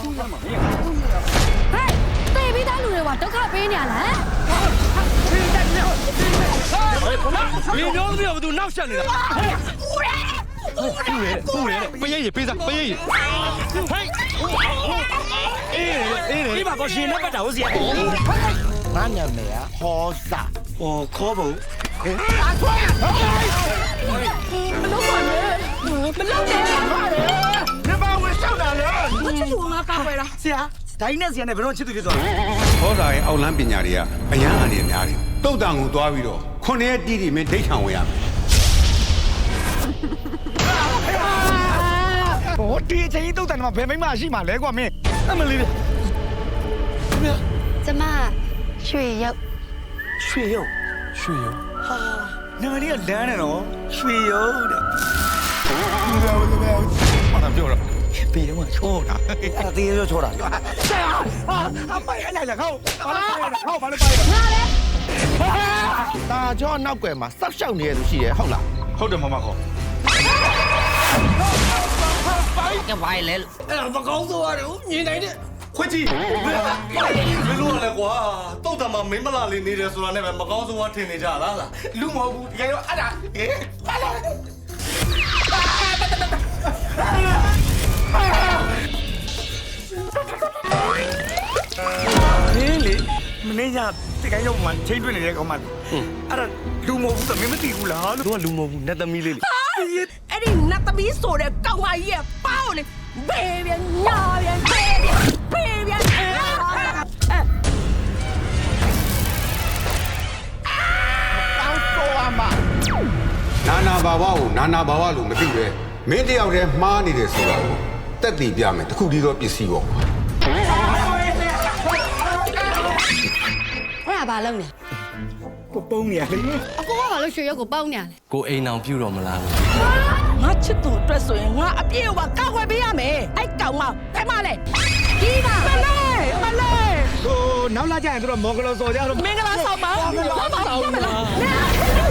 တေးပြီးသားလူတွေကဒုက္ခပေးနေရလား你娘子要不都闹下来了？不然，不愿意背上，不愿意。嘿，你把个心那个找谁？ 俺娘们呀，好傻， 哦，可不。 မလုပ်ပါနဲ့မလုပ်နဲ့你把我上哪了？ 我ချစ်သူငါကောက်ပဲလား是啊，大姨那时间呢，不让吃东西做。 ဟောစာရဲ့အောက်လန်းပညာတွေကအရန်အနေနဲ့များတယ်တုတ်တန်ကိုသွားပြီးတော့ခုနှစ်ရက်တီးတီမင်းဒိတ်ခံဝင်ရမယ်我第一次都在那边没马戏嘛，来过没？那么厉害。 ကျမရွှေရုပ်血油， 水油。 哈，那个你要凉的咯，血油的。 把他叫上。 别他妈错了，俺爹就错了。是啊，啊，买来了好，把它掰了，好把它掰了。大家闹鬼嘛，10少年都是的，好啦。 好的，妈妈好。 cái vai lên 不告诉我，你来的。 ခွကြီးမင်းတို့ကလည်းကွာတုတ်တမမင်းမလာလေးနေတယ်ဆိုတာနဲ့ပဲမကောင်းဆုံးကထင်နေကြလားလူမဟုတ်ဘူးတကယ်တော့အဲ့ဒါပါလာလေမင်းညာတကယ်ရောက်မှချိန်တွေ့နေတဲ့ကောင်မလေးအဲ့ဒါလူမဟုတ်ဘူးသမီးမသိဘူးလားလို့တို့ကလူမဟုတ်ဘူးနတ်သမီးလေးလေအဲ့ဒီနတ်သမီးဆိုတဲ့ကောင်မကြီးရဲ့ပေါင်းလေဘေးပြန်ညာပြန်ဘေးပြန်နာနာဘာဝကိုနာနာဘာဝလို့မသိပဲမင်းတယောက်တည်းမှားနေတယ်ဆိုတာကိုတက်တည်ပြမယ်တခုတည်းသောပစ္စည်းပေါ့အဲ့ဒါဘာလုပ်နေပုံနေရလေအကိုကဘာလို့ရွှေရုပ်ကိုပေါင်းနေရလဲကိုအိမ်အောင်ပြုတော်မလားလို့ငါချစ်သူအတွက်ဆိုရင်ငါအပြည့်အဝကောက်ွယ်ပေးရမယ်အဲ့ကောင်မဖဲမလဲဒီပါမလဲဟိုနောက်လာကြရင်တို့မော်ဂလောစော်ကြတော့မင်္ဂလာဆောင်ပါမင်္ဂလာဆောင်ပါလဲ